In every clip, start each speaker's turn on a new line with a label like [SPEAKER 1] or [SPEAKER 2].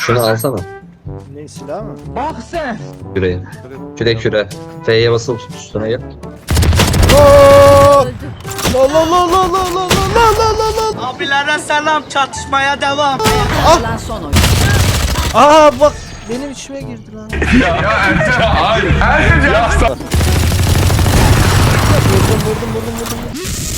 [SPEAKER 1] Şunu alsana.
[SPEAKER 2] Ne silah mı?
[SPEAKER 3] Bak sen.
[SPEAKER 1] Küreği. Küre. F'ye basılı tut, üstüne gel.
[SPEAKER 2] La la la la la la la la la.
[SPEAKER 3] Abilere selam, çatışmaya devam.
[SPEAKER 4] Kalan son oyun.
[SPEAKER 2] Aa bak benim içime girdi lan. Vurdum.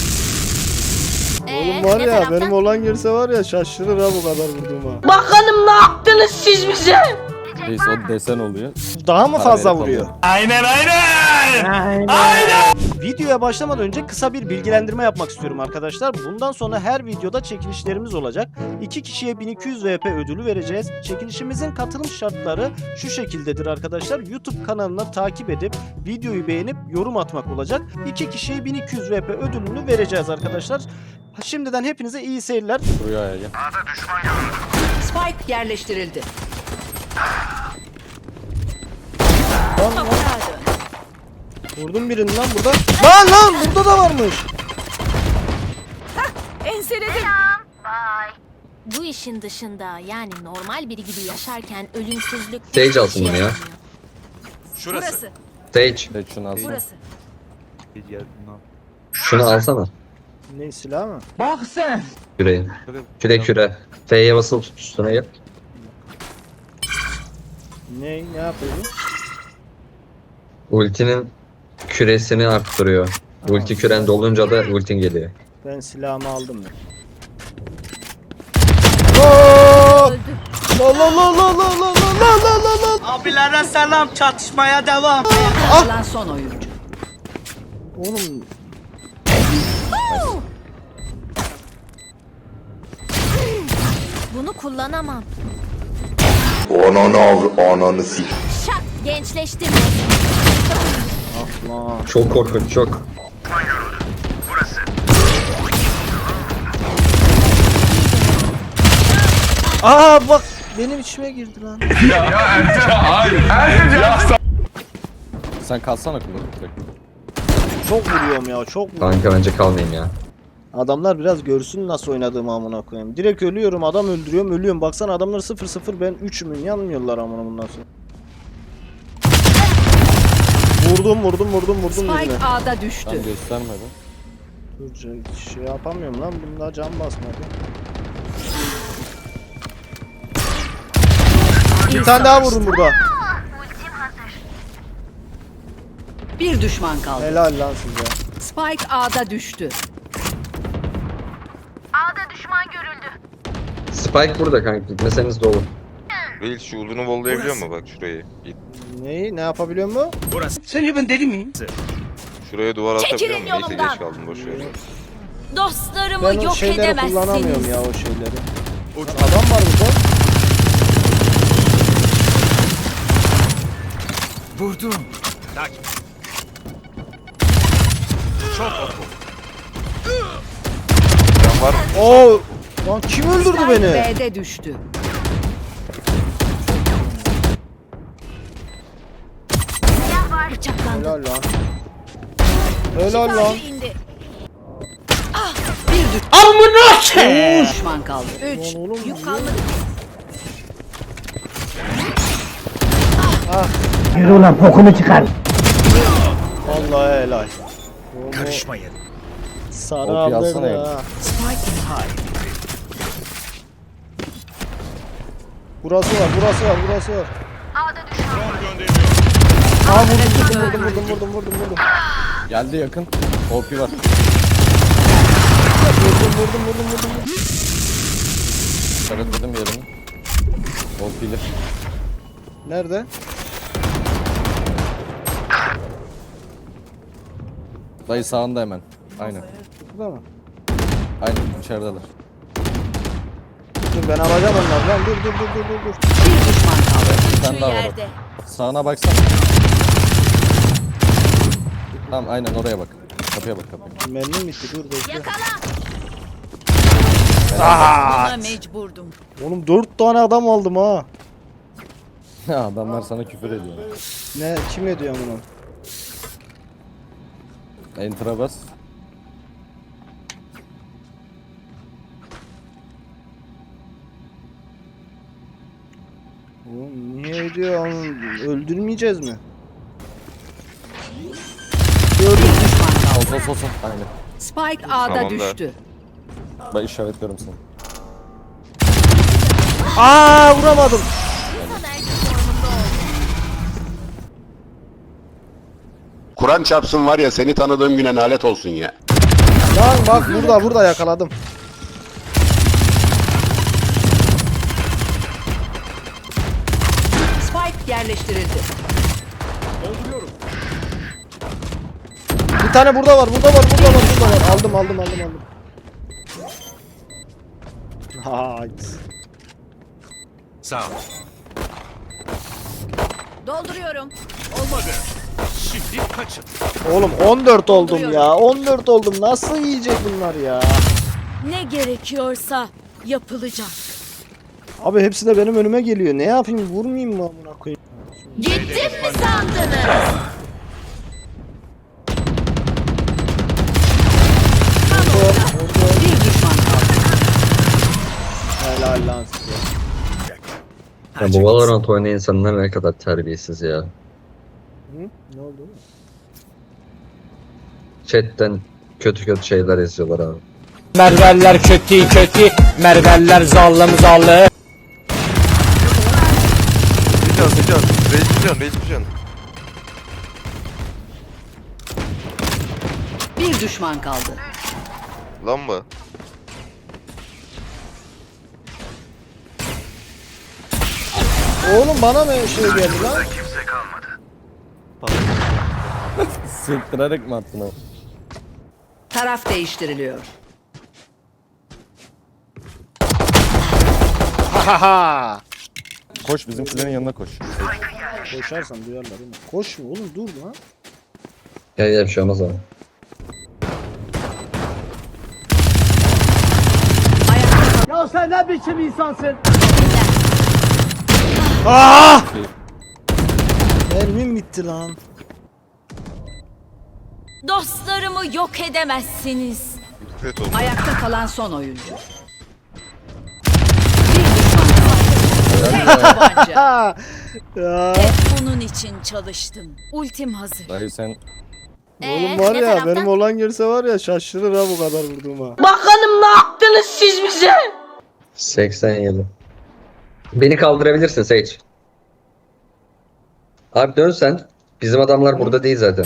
[SPEAKER 2] Oğlum var ya benim olan girse var ya şaşırır ha bu kadar vurduğuma.
[SPEAKER 4] Bakalım ne yaptınız siz bize?
[SPEAKER 5] Neyse o desen oluyor.
[SPEAKER 2] Daha mı
[SPEAKER 5] Para
[SPEAKER 2] fazla
[SPEAKER 5] verip
[SPEAKER 2] vuruyor?
[SPEAKER 5] alıyor.
[SPEAKER 3] Aynen.
[SPEAKER 2] Videoya başlamadan önce kısa bir bilgilendirme yapmak istiyorum arkadaşlar. Bundan sonra her videoda çekilişlerimiz olacak. 2 kişiye 1200 VP ödülü vereceğiz. Çekilişimizin katılım şartları şu şekildedir arkadaşlar. YouTube kanalına takip edip videoyu beğenip yorum atmak olacak. 2 kişiye 1200 VP ödülünü vereceğiz arkadaşlar. Şimdiden hepinize iyi seyirler.
[SPEAKER 5] Buraya gel.
[SPEAKER 4] Spike yerleştirildi.
[SPEAKER 2] Vurdum birini lan burada. Lan burada da varmış.
[SPEAKER 6] Enseledim. Bu işin dışında yani normal biri gibi yaşarken ölümsüzlük...
[SPEAKER 1] Sage alsın bunu ya.
[SPEAKER 6] Burası.
[SPEAKER 1] Sage.
[SPEAKER 5] Seç şunu alsana.
[SPEAKER 6] Burası.
[SPEAKER 1] Şunu alsana.
[SPEAKER 2] Ne silah mı?
[SPEAKER 3] Bak sen.
[SPEAKER 1] Küreği. Küre. F'ye basılı tut, üstüne gel.
[SPEAKER 2] Ne yapıyor bu?
[SPEAKER 1] Ultinin küresini arttırıyor. Ulti küren dolunca da ultin geliyor.
[SPEAKER 2] Ben silahımı aldım ben. La la la la la la la la.
[SPEAKER 3] Abilere selam, çatışmaya devam.
[SPEAKER 4] Kalan son oyuncu.
[SPEAKER 2] Oğlum
[SPEAKER 6] Bunu kullanamam.
[SPEAKER 7] Ananı sik.
[SPEAKER 6] Şak gençleştim.
[SPEAKER 2] lan.
[SPEAKER 1] Çok korkunç, çok.
[SPEAKER 2] Aa bak benim içime girdi lan.
[SPEAKER 5] Sen kalsana kullanıp direkt.
[SPEAKER 2] Çok vuruyorum ya çok vuruyorum.
[SPEAKER 1] Kanka bence kalmayayım ya.
[SPEAKER 2] Adamlar biraz görsün nasıl oynadığımı amına koyayım. Direkt ölüyorum adam öldürüyorum ölüyorum. Baksana adamlar 0-0 ben 3'ümün yanmıyorlar amına bundan sonra. Vurdum birine.
[SPEAKER 4] Spike A'da düştü.
[SPEAKER 5] Ben göstermedim.
[SPEAKER 2] Dur şey yapamıyorum lan bunda can basmadı. Bir tane daha vurdum burada.
[SPEAKER 4] Bir düşman kaldı.
[SPEAKER 2] Helal lan size.
[SPEAKER 4] Spike A'da düştü.
[SPEAKER 1] Spike burada kanka, gitmeseniz de olur.
[SPEAKER 7] Reis şu uzunu vollayabiliyor mu bak şurayı? Git.
[SPEAKER 2] Neyi ne yapabiliyor mu?
[SPEAKER 3] Sence ben deli miyim?
[SPEAKER 7] Şuraya duvar atabiliyor
[SPEAKER 6] Çekilin
[SPEAKER 7] mu? Neyse
[SPEAKER 6] yolumdan.
[SPEAKER 7] geç kaldım boşver.
[SPEAKER 6] Dostlarımı
[SPEAKER 2] Ben o
[SPEAKER 6] yok
[SPEAKER 2] şeyleri kullanamıyorum
[SPEAKER 6] edemezsiniz.
[SPEAKER 2] ya o şeyleri. Adam var burada.
[SPEAKER 3] Vurdum.
[SPEAKER 7] Can var mı?
[SPEAKER 2] Oo! Lan kim öldürdü
[SPEAKER 4] Spike
[SPEAKER 2] beni?
[SPEAKER 4] B'de düştü.
[SPEAKER 6] Bıçaklandım.
[SPEAKER 2] Helal lan. Helal lan.
[SPEAKER 6] Şifacı indi.
[SPEAKER 4] Bir düşman kaldı. 3.
[SPEAKER 2] Lan oğlum.
[SPEAKER 6] Yük kalmadı.
[SPEAKER 2] Vallahi helal. Karışmayın. Sarı
[SPEAKER 5] OP
[SPEAKER 2] aldı
[SPEAKER 5] alsana
[SPEAKER 2] ya.
[SPEAKER 5] ya.
[SPEAKER 2] Burası var. Aa vurdum.
[SPEAKER 5] Geldi yakın. OP var.
[SPEAKER 2] Vurdum.
[SPEAKER 5] Işaretledim yerini. OP'li.
[SPEAKER 2] Nerede?
[SPEAKER 5] Dayı sağında hemen. Aynen.
[SPEAKER 2] Burada mı?
[SPEAKER 5] Aynen içerideler.
[SPEAKER 2] Dur ben alacağım onlardan. Dur.
[SPEAKER 4] Bir düşman kaldı.
[SPEAKER 5] Bir tane daha var.
[SPEAKER 6] Yerde.
[SPEAKER 5] Sağına baksana. Tamam aynen oraya bak. Kapıya bak kapıya.
[SPEAKER 2] Mermim bitti dur bekle.
[SPEAKER 6] Yakala.
[SPEAKER 4] Buna mecburdum.
[SPEAKER 2] Oğlum 4 tane adam aldım ha.
[SPEAKER 5] Adamlar sana küfür ediyor.
[SPEAKER 2] Ne kim ediyor bunu?
[SPEAKER 5] Enter'a bas.
[SPEAKER 2] Oğlum niye diyor? Öldürmeyeceğiz mi?
[SPEAKER 4] Bir düşman kaldı.
[SPEAKER 5] Sol sol sol. Aynen.
[SPEAKER 4] Spike A'da
[SPEAKER 7] Tamam da.
[SPEAKER 4] düştü.
[SPEAKER 5] Ben işaretliyorum seni.
[SPEAKER 2] Aa vuramadım.
[SPEAKER 8] Kur'an çarpsın var ya seni tanıdığım güne nalet olsun ya.
[SPEAKER 2] Lan bak burada yakaladım.
[SPEAKER 4] Spike yerleştirildi.
[SPEAKER 2] Bir tane burada var. Aldım. Nice.
[SPEAKER 3] Sağ ol.
[SPEAKER 4] Dolduruyorum.
[SPEAKER 3] Olmadı. Şimdi kaçın.
[SPEAKER 2] Oğlum 14 oldum ya. 14 oldum. Nasıl yiyecek bunlar ya?
[SPEAKER 6] Ne gerekiyorsa yapılacak.
[SPEAKER 2] Abi hepsi de benim önüme geliyor. Ne yapayım? Vurmayayım mı amına koyayım?
[SPEAKER 6] Gittim mi sandınız?
[SPEAKER 4] Bir düşman kaldı.
[SPEAKER 2] Helal lan size.
[SPEAKER 1] Ya bu Valorant oynayan insanlar ne kadar terbiyesiz ya.
[SPEAKER 2] Hı? Ne oldu?
[SPEAKER 1] Chatten kötü şeyler yazıyorlar abi.
[SPEAKER 9] Merveller kötü kötü, merveller zallım zallı.
[SPEAKER 7] Sıcan. Reis sıcan.
[SPEAKER 4] Bir düşman kaldı.
[SPEAKER 7] Lan mı?
[SPEAKER 2] Oğlum bana mı şey geldi lan?
[SPEAKER 5] Sektirerek mi attın o?
[SPEAKER 4] Taraf değiştiriliyor.
[SPEAKER 2] Hahaha.
[SPEAKER 5] Koş bizimkilerin yanına koş.
[SPEAKER 2] Koşarsan duyarlar oğlum. Koşma oğlum dur lan.
[SPEAKER 1] Ya bir şey olmaz abi.
[SPEAKER 3] Ya sen ne biçim insansın?
[SPEAKER 2] Ah! Mermim bitti lan.
[SPEAKER 6] Dostlarımı yok edemezsiniz.
[SPEAKER 7] Evet oldu.
[SPEAKER 4] Ayakta kalan son oyuncu. Bir düşman kaldı. Tek tabanca.
[SPEAKER 2] Ha! Ya.
[SPEAKER 6] Bunun için çalıştım. Ultim hazır.
[SPEAKER 5] Dayı sen
[SPEAKER 2] Oğlum var ya benim olan görse var ya şaşırır ha bu kadar vurduğuma.
[SPEAKER 1] 87. Beni kaldırabilirsin Sage. Abi dön sen. Bizim adamlar burada değil zaten.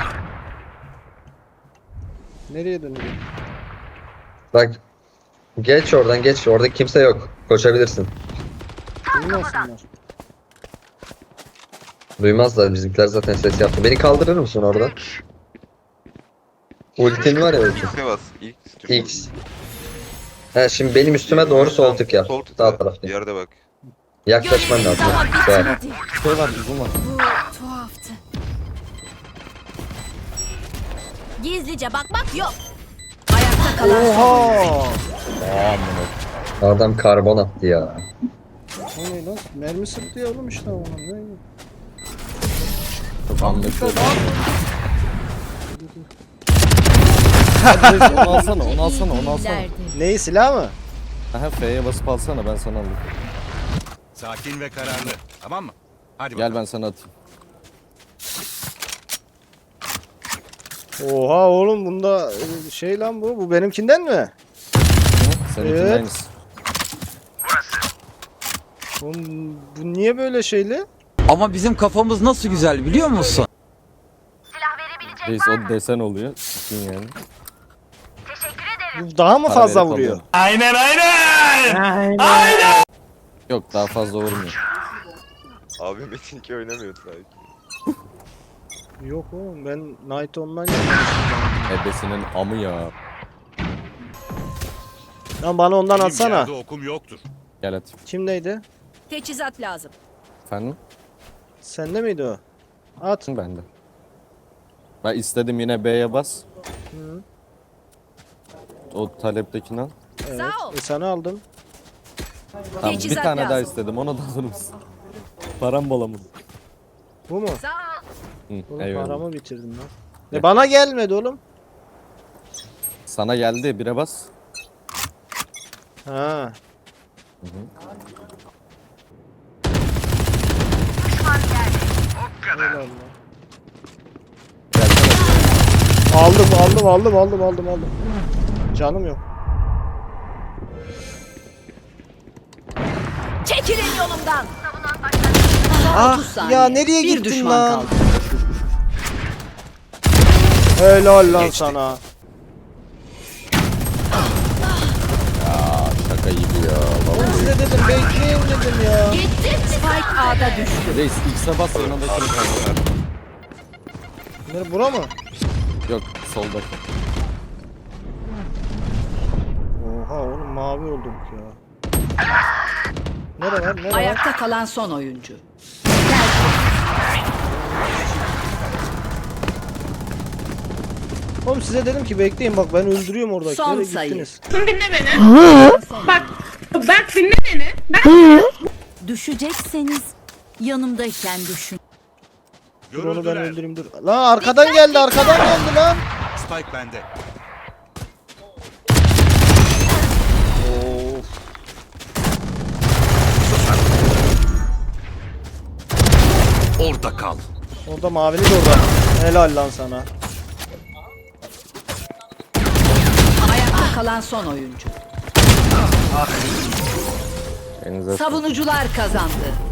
[SPEAKER 2] Nereye dönüyor?
[SPEAKER 1] Bak. Geç oradan geç. Orada kimse yok. Koşabilirsin.
[SPEAKER 2] Duymasınlar.
[SPEAKER 1] Duymazlar, bizimkiler zaten ses yaptı. Beni kaldırır mısın oradan? Ultin var ya ultin.
[SPEAKER 7] X'e bas.
[SPEAKER 1] X. He şimdi benim üstüme doğru sol tık yap.
[SPEAKER 7] Sol tık
[SPEAKER 1] Sağ
[SPEAKER 7] yap.
[SPEAKER 1] tarafta.
[SPEAKER 7] Yerde bak.
[SPEAKER 1] Yaklaşman
[SPEAKER 6] Görevim
[SPEAKER 1] lazım.
[SPEAKER 6] daha
[SPEAKER 1] Güzel.
[SPEAKER 6] bitmedi.
[SPEAKER 5] şey var uzun var.
[SPEAKER 6] Bu tuhaftı. Gizlice bakmak yok.
[SPEAKER 4] Ayakta kalan son oyuncu.
[SPEAKER 2] Oha!
[SPEAKER 1] Adam karbon attı ya.
[SPEAKER 2] O ne lan? Mermi sıktı ya oğlum işte ona. Ne?
[SPEAKER 5] Anlaşıldı. Onu alsana, onu alsana, onu alsana.
[SPEAKER 2] Neyi silah mı?
[SPEAKER 5] Aha F'ye basıp alsana ben sana alayım.
[SPEAKER 3] Sakin ve kararlı. Tamam mı? Hadi
[SPEAKER 5] Gel ben sana atayım.
[SPEAKER 2] Oha oğlum bunda şey lan bu. Bu benimkinden mi?
[SPEAKER 5] Seninkin
[SPEAKER 2] Evet.
[SPEAKER 5] aynısı.
[SPEAKER 2] Oğlum, bu niye böyle şeyli?
[SPEAKER 9] Ama bizim kafamız nasıl güzel biliyor musun?
[SPEAKER 5] Reis o desen oluyor. Sikin yani.
[SPEAKER 2] Bu daha mı
[SPEAKER 5] Para
[SPEAKER 2] fazla
[SPEAKER 5] verip
[SPEAKER 2] vuruyor?
[SPEAKER 5] alıyorum.
[SPEAKER 3] aynen.
[SPEAKER 5] Yok daha fazla vurmuyor.
[SPEAKER 7] Abi Metin 2 oynamıyordu belki.
[SPEAKER 2] Yok oğlum ben Night Online
[SPEAKER 5] Ebesinin amı ya.
[SPEAKER 2] Lan bana ondan atsana.
[SPEAKER 3] Yerde okum yoktur.
[SPEAKER 5] Gel at.
[SPEAKER 2] Kimdeydi?
[SPEAKER 4] Teçhizat lazım.
[SPEAKER 5] Efendim?
[SPEAKER 2] Sende miydi o? At.
[SPEAKER 5] Bende. Ben istedim yine B'ye bas. O taleptekini al.
[SPEAKER 2] Evet.
[SPEAKER 4] Sağ ol.
[SPEAKER 2] Sana aldım.
[SPEAKER 5] Tamam, bir
[SPEAKER 4] Teçhizat
[SPEAKER 5] tane daha
[SPEAKER 4] lazım.
[SPEAKER 5] istedim. Onu da alır mısın? Param bol ama.
[SPEAKER 2] Bu mu?
[SPEAKER 4] Sağ ol.
[SPEAKER 5] Hı,
[SPEAKER 2] Oğlum
[SPEAKER 5] eyvallah.
[SPEAKER 2] paramı bitirdim lan.
[SPEAKER 5] Gel.
[SPEAKER 2] Bana gelmedi oğlum.
[SPEAKER 5] Sana geldi. Bire bas.
[SPEAKER 2] Ha. Helal lan. Aldım. Canım yok.
[SPEAKER 4] Çekilin yolumdan.
[SPEAKER 2] Ah
[SPEAKER 4] 30 saniye.
[SPEAKER 2] ya nereye
[SPEAKER 4] Bir
[SPEAKER 2] gittin
[SPEAKER 4] düşman
[SPEAKER 2] lan?
[SPEAKER 4] kaldı.
[SPEAKER 2] Helal lan sana.
[SPEAKER 5] Şaka gibi ya. Vallahi.
[SPEAKER 2] Size dedim bekleyin dedim ya.
[SPEAKER 4] Spike A'da düştü.
[SPEAKER 5] Reis ilk sabah yanında kim kaldı?
[SPEAKER 2] Nere bura mı?
[SPEAKER 5] Yok soldaki.
[SPEAKER 2] Oha oğlum mavi olduk ya. Nere var?
[SPEAKER 4] Ayakta kalan son oyuncu.
[SPEAKER 2] Oğlum size dedim ki bekleyin bak ben öldürüyorum oradakileri.
[SPEAKER 4] Son sayı.
[SPEAKER 2] Gittiniz.
[SPEAKER 4] Düşecekseniz yanımdayken düşün.
[SPEAKER 2] Dur onu ben
[SPEAKER 3] Görüldüler.
[SPEAKER 2] öldüreyim dur. Lan arkadan geldi lan.
[SPEAKER 3] Spike bende.
[SPEAKER 2] Of.
[SPEAKER 3] Orada kal.
[SPEAKER 2] Orada mavili de orada. Helal lan sana.
[SPEAKER 4] Ayakta kalan son oyuncu.
[SPEAKER 5] Elinize
[SPEAKER 4] Savunucular kazandı.